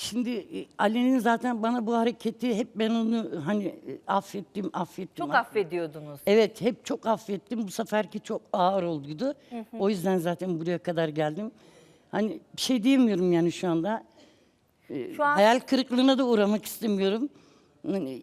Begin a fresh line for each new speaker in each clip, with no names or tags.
Şimdi Ali'nin zaten bana bu hareketi hep ben onu hani affettim.
Çok affediyordunuz.
Evet, hep çok affettim. Bu seferki çok ağır olduydu. O yüzden zaten buraya kadar geldim. Hani bir şey diyemiyorum yani şu anda.
Şu an
Hayal kırıklığına da uğramak istemiyorum. Hani,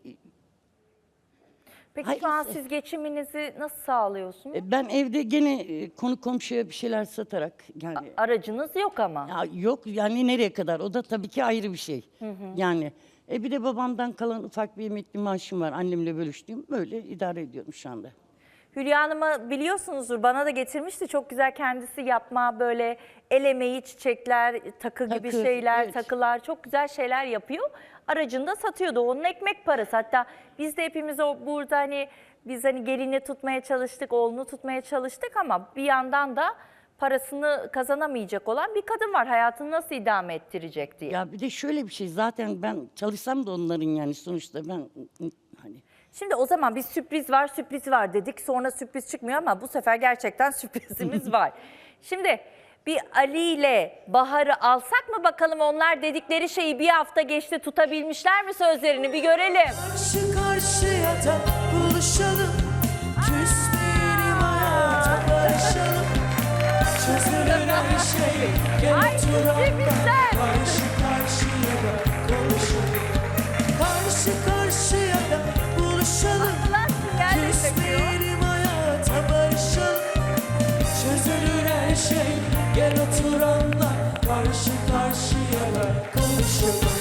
Peki
Hayır,
şu an siz geçiminizi nasıl sağlıyorsunuz?
ben evde gene konu komşuya bir şeyler satarak yani
Aracınız yok ama.
ya yok yani nereye kadar? O da tabii ki ayrı bir şey. Yani bir de babamdan kalan ufak bir emekli maaşım var. Annemle bölüştüğüm. Böyle idare ediyorum şu anda.
Hülya Hanım'ı biliyorsunuzdur, bana da getirmişti. Çok güzel kendisi yapma, böyle el emeği, çiçekler, takı gibi
Takı,
şeyler,
evet.
takılar, çok güzel şeyler yapıyor. Aracını da satıyordu. Onun ekmek parası. Hatta biz de hepimiz burada hani biz hani gelini tutmaya çalıştık, oğlunu tutmaya çalıştık ama bir yandan da parasını kazanamayacak olan bir kadın var. Hayatını nasıl idame ettirecek diye.
Ya bir de şöyle bir şey. Zaten ben çalışsam da onların yani sonuçta ben hani
Şimdi o zaman bir sürpriz var dedik. Sonra sürpriz çıkmıyor ama bu sefer gerçekten sürprizimiz var. Şimdi bir Ali ile Bahar'ı alsak mı bakalım, onlar dedikleri şeyi bir hafta geçti, tutabilmişler mi sözlerini, bir görelim.
Karşı karşıya da buluşalım, küsmeyelim hayata barışalım. Çözülür her şey, gel
Ay, sürprizler.
karşı karşıya da konuşalım. Karşı karşıya da buluşalım,
Nasıl geldi
küsmeyelim hayata barışalım. Çözülür her şey, gel oturanla karşı karşıya da konuşalım.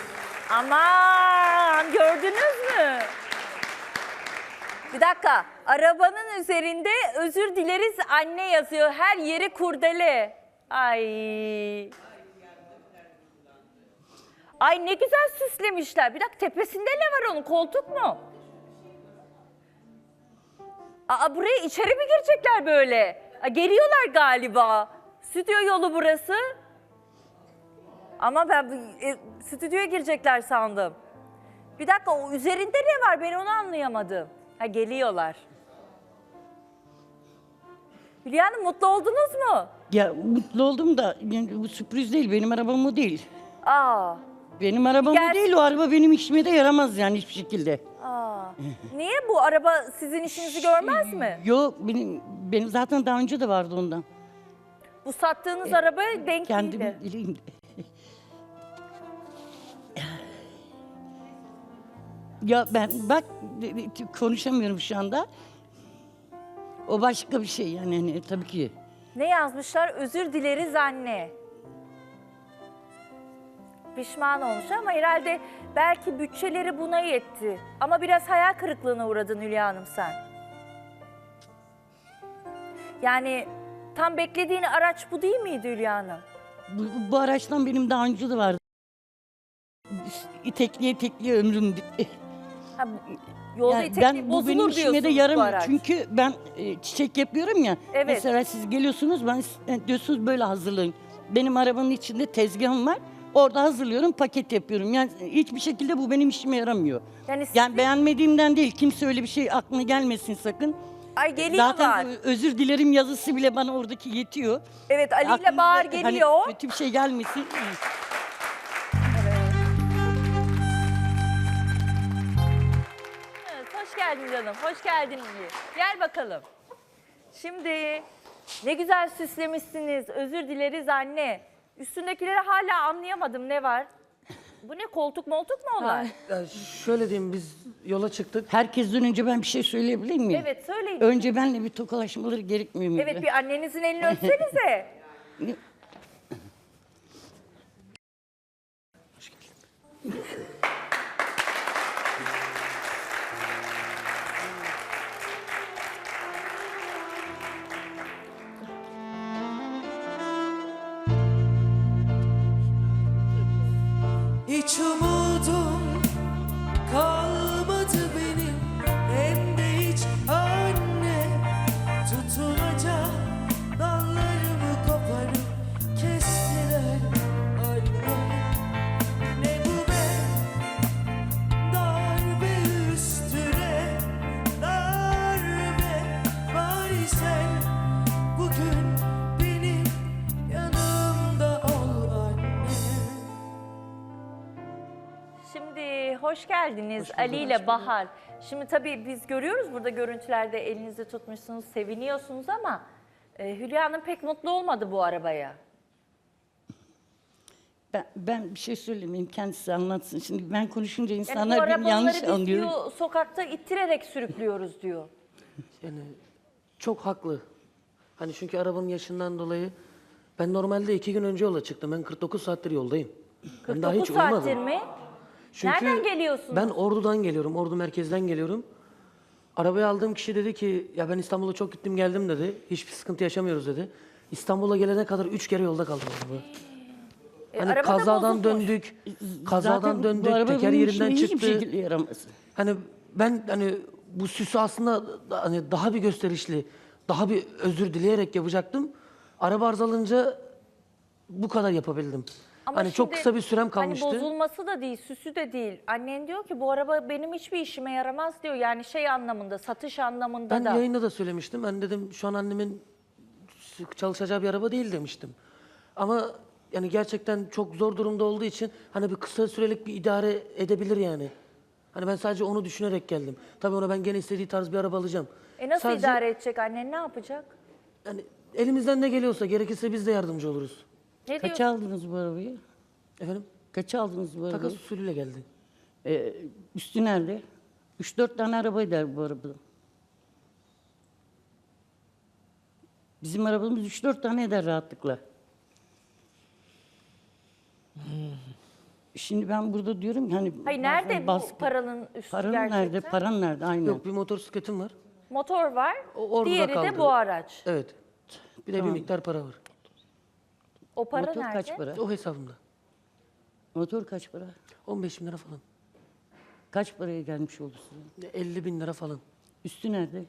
Aman, gördünüz mü? Bir dakika, arabanın üzerinde özür dileriz anne yazıyor. Her yeri kurdele. Ay. Ay ne güzel süslemişler. Bir dakika, tepesinde ne var onun? Koltuk mu? Aa, buraya içeri mi girecekler böyle? Aa, geliyorlar galiba. Stüdyo yolu burası. Ama ben stüdyoya girecekler sandım. Bir dakika, o üzerinde ne var? Ben onu anlayamadım. Ha, geliyorlar. Hülya Hanım, mutlu oldunuz mu?
ya mutlu oldum da yani bu sürpriz değil. Benim arabam o değil.
Aa.
Benim arabam
Gel-
o değil. O araba benim işime de yaramaz yani hiçbir şekilde.
Aa. Niye, bu araba sizin işinizi görmez mi?
Yok benim zaten daha önce de vardı ondan.
Bu sattığınız araba denk
Kendim
değildi.
bileyim. Ya ben bak konuşamıyorum şu anda. O başka bir şey yani hani, tabii ki.
Ne yazmışlar? Özür dileriz anne. Pişman olmuş ama herhalde belki bütçeleri buna yetti. Ama biraz hayal kırıklığına uğradın Hülya Hanım sen. Yani tam beklediğin araç bu değil miydi Hülya Hanım?
Bu araçtan benim daha önce de vardı. İtekliye ömrüm bitti.
Ha, yolda
Yani
itekli
bu benim
bozulur
işime de
diyorsunuz bu
yaramıyor.
araç.
Çünkü ben çiçek yapıyorum ya.
Evet.
Mesela siz geliyorsunuz, ben diyorsunuz böyle hazırlayın. Benim arabanın içinde tezgahım var. Orada hazırlıyorum, paket yapıyorum. Yani hiçbir şekilde bu benim işime yaramıyor.
Yani
Yani beğenmediğimden değil. Kimse öyle bir şey aklına gelmesin sakın.
Ay, geliyorlar.
Zaten özür dilerim yazısı bile bana oradaki yetiyor.
Evet, Ali ile
Aklınıza
Bahar
hani
geliyor.
kötü bir şey gelmesin.
Evet, hoş geldin canım, hoş geldin İyi. Gel bakalım. Şimdi ne güzel süslemişsiniz. Özür dileriz anne. Üstündekileri hala anlayamadım, ne var? Bu ne, koltuk moltuk mu onlar?
Ya şöyle diyeyim, biz yola çıktık.
Herkesten önce ben bir şey söyleyebilir miyim?
Evet, söyleyin.
Önce benle bir tokalaşmaları gerekmiyor muydu?
Evet, bir annenizin elini öpsenize.
Hiç umudum kalmadı benim, hem de hiç anne. Tutunacak dallarımı koparıp kestiler anne. Ne bu be, darbe üstüne darbe. Bari sen bugün benim yanımda ol anne.
Şimdi hoş geldiniz Ali ile Bahar. Şimdi tabii biz görüyoruz burada görüntülerde elinizi tutmuşsunuz, seviniyorsunuz ama Hülya Hanım pek mutlu olmadı bu arabaya.
Ben bir şey söylemeyeyim, kendisi anlatsın. Şimdi ben konuşunca
Yani bu
insanlar beni yanlış
arabaları biz
anlıyor.
diyor, sokakta ittirerek sürüklüyoruz diyor.
Yani çok haklı. Hani çünkü arabanın yaşından dolayı ben normalde 2 gün önce yola çıktım. Ben 49 saattir yoldayım. Ben daha
49
hiç
saattir
uyumadım.
mi?
Çünkü
Nereden geliyorsunuz?
Ben Ordu'dan geliyorum. Ordu merkezden geliyorum. Arabayı aldığım kişi dedi ki ya ben İstanbul'a çok gittim geldim dedi. Hiçbir sıkıntı yaşamıyoruz dedi. İstanbul'a gelene kadar 3 kere yolda kaldım araba. Hani
araba da
kazadan
bozulmuş.
döndük. Kazadan
Zaten bu
döndük.
araba
Teker
benim
yerinden
işime
çıktı.
hiçbir şekilde yaramaz.
Hani ben hani bu süsü aslında hani daha bir gösterişli, daha bir özür dileyerek yapacaktım. Araba arızalanınca bu kadar yapabildim.
Ama
hani çok
şimdi
kısa bir sürem kalmıştı.
Hani bozulması da değil, süsü de değil. Annen diyor ki bu araba benim hiçbir işime yaramaz diyor. Yani şey anlamında, satış anlamında
Ben
da.
yayında da söylemiştim. Ben dedim şu an annemin çalışacağı bir araba değil demiştim. Ama yani gerçekten çok zor durumda olduğu için hani bir kısa sürelik bir idare edebilir yani. Hani ben sadece onu düşünerek geldim. Tabii ona ben gene istediği tarz bir araba alacağım.
Nasıl
Sadece,
idare edecek annen, ne yapacak?
Yani elimizden ne geliyorsa gerekirse biz de yardımcı oluruz.
Ne
Kaç
diyorsun?
aldınız bu arabayı?
Efendim?
Kaç aldınız bu arabayı?
Takas usulüyle geldi.
Üstü nerede? 3-4 tane araba eder bu arabada. Bizim arabamız 3-4 tane eder rahatlıkla. Şimdi ben burada diyorum ki hani...
Hayır
bazen
nerede bu paranın üstü
Paran
gerçekten?
nerede? Paran nerede? Aynen.
Yok bir motosikletim var.
Motor var,
O orada
diğeri
kaldı.
de bu araç.
Evet. Bir de bir miktar para var.
O para
Motor
nerede?
kaç para?
O hesabımda.
Motor kaç para?
15 bin lira falan.
Kaç paraya gelmiş oldu size?
50 bin lira falan.
Üstü nerede?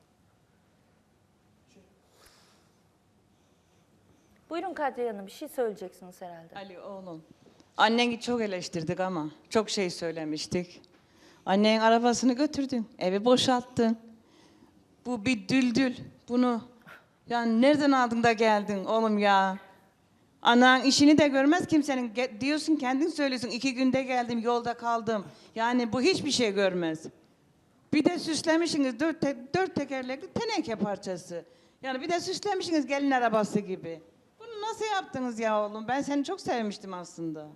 Buyurun Kadriye Hanım, bir şey söyleyeceksiniz herhalde.
Ali oğlum. Anneni çok eleştirdik ama çok şey söylemiştik. Annenin arabasını götürdün, evi boşalttın. Bu bir düldül. Bunu yani nereden aldın da geldin oğlum ya? Anan işini de görmez kimsenin. Diyorsun kendin söylüyorsun 2 günde geldim yolda kaldım. Yani bu hiçbir şey görmez. Bir de süslemişsiniz dört tekerlekli teneke parçası. Yani bir de süslemişsiniz gelin arabası gibi. Bunu nasıl yaptınız ya oğlum? Ben seni çok sevmiştim aslında.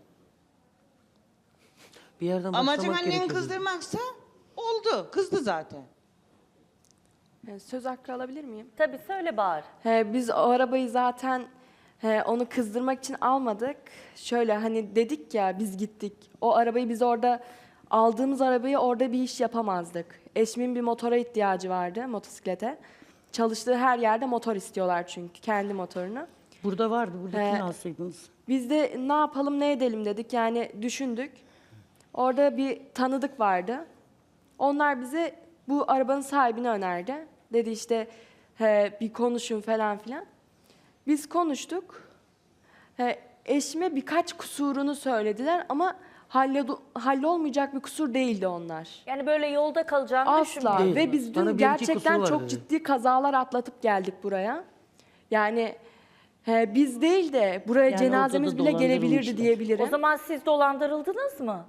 Bir yerden
Amacın
başlamak
anneni
gerekiyordu.
kızdırmaksa oldu. Kızdı zaten.
Söz hakkı alabilir miyim?
Tabii söyle Bahar.
Biz o arabayı zaten onu kızdırmak için almadık. Şöyle hani dedik ya biz gittik. O arabayı biz orada aldığımız arabayı orada bir iş yapamazdık. Eşimin bir motora ihtiyacı vardı, motosiklete. Çalıştığı her yerde motor istiyorlar çünkü kendi motorunu.
Burada vardı. Buradakini alsaydınız.
Biz de ne yapalım ne edelim dedik yani düşündük. Orada bir tanıdık vardı. Onlar bize bu arabanın sahibini önerdi. Dedi işte bir konuşun falan filan. Biz konuştuk. Eşime birkaç kusurunu söylediler ama hallolmayacak bir kusur değildi onlar.
Yani böyle yolda kalacağını
Asla.
düşünmüyorum.
Değil.
Ve biz
Bana
dün
bir iki
gerçekten
kusuru var
çok
dedi.
ciddi kazalar atlatıp geldik buraya. Yani biz değil de buraya
Yani
cenazemiz
ortada
bile gelebilirdi
dolandırılmışlar.
diyebilirim.
O zaman siz dolandırıldınız mı?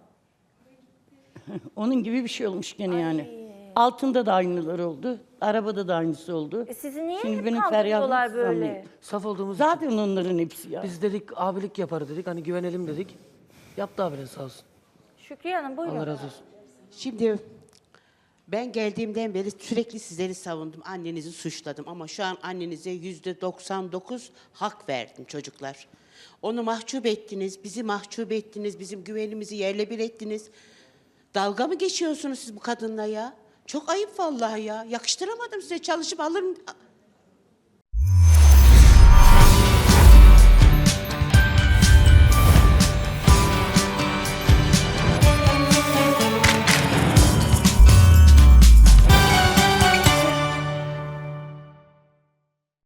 Onun gibi bir şey olmuş gene yani. Altında da aynıları oldu. Arabada da aynısı oldu.
Sizi niye
Şimdi
hep
benim
kandırıyorlar
feryadım
böyle?
sanmayın.
Saf olduğumuz için.
Zaten onların hepsi ya.
Biz dedik abilik yapar dedik. Hani güvenelim dedik. Yaptı abiler sağ olsun.
Şükriye Hanım buyurun.
Allah razı olsun.
Şimdi ben geldiğimden beri sürekli sizleri savundum. Annenizi suçladım ama şu an annenize %99 hak verdim çocuklar. Onu mahcup ettiniz, bizi mahcup ettiniz, bizim güvenimizi yerle bir ettiniz. Dalga mı geçiyorsunuz siz bu kadınla ya? Çok ayıp vallahi ya. Yakıştıramadım size. Çalışıp alırım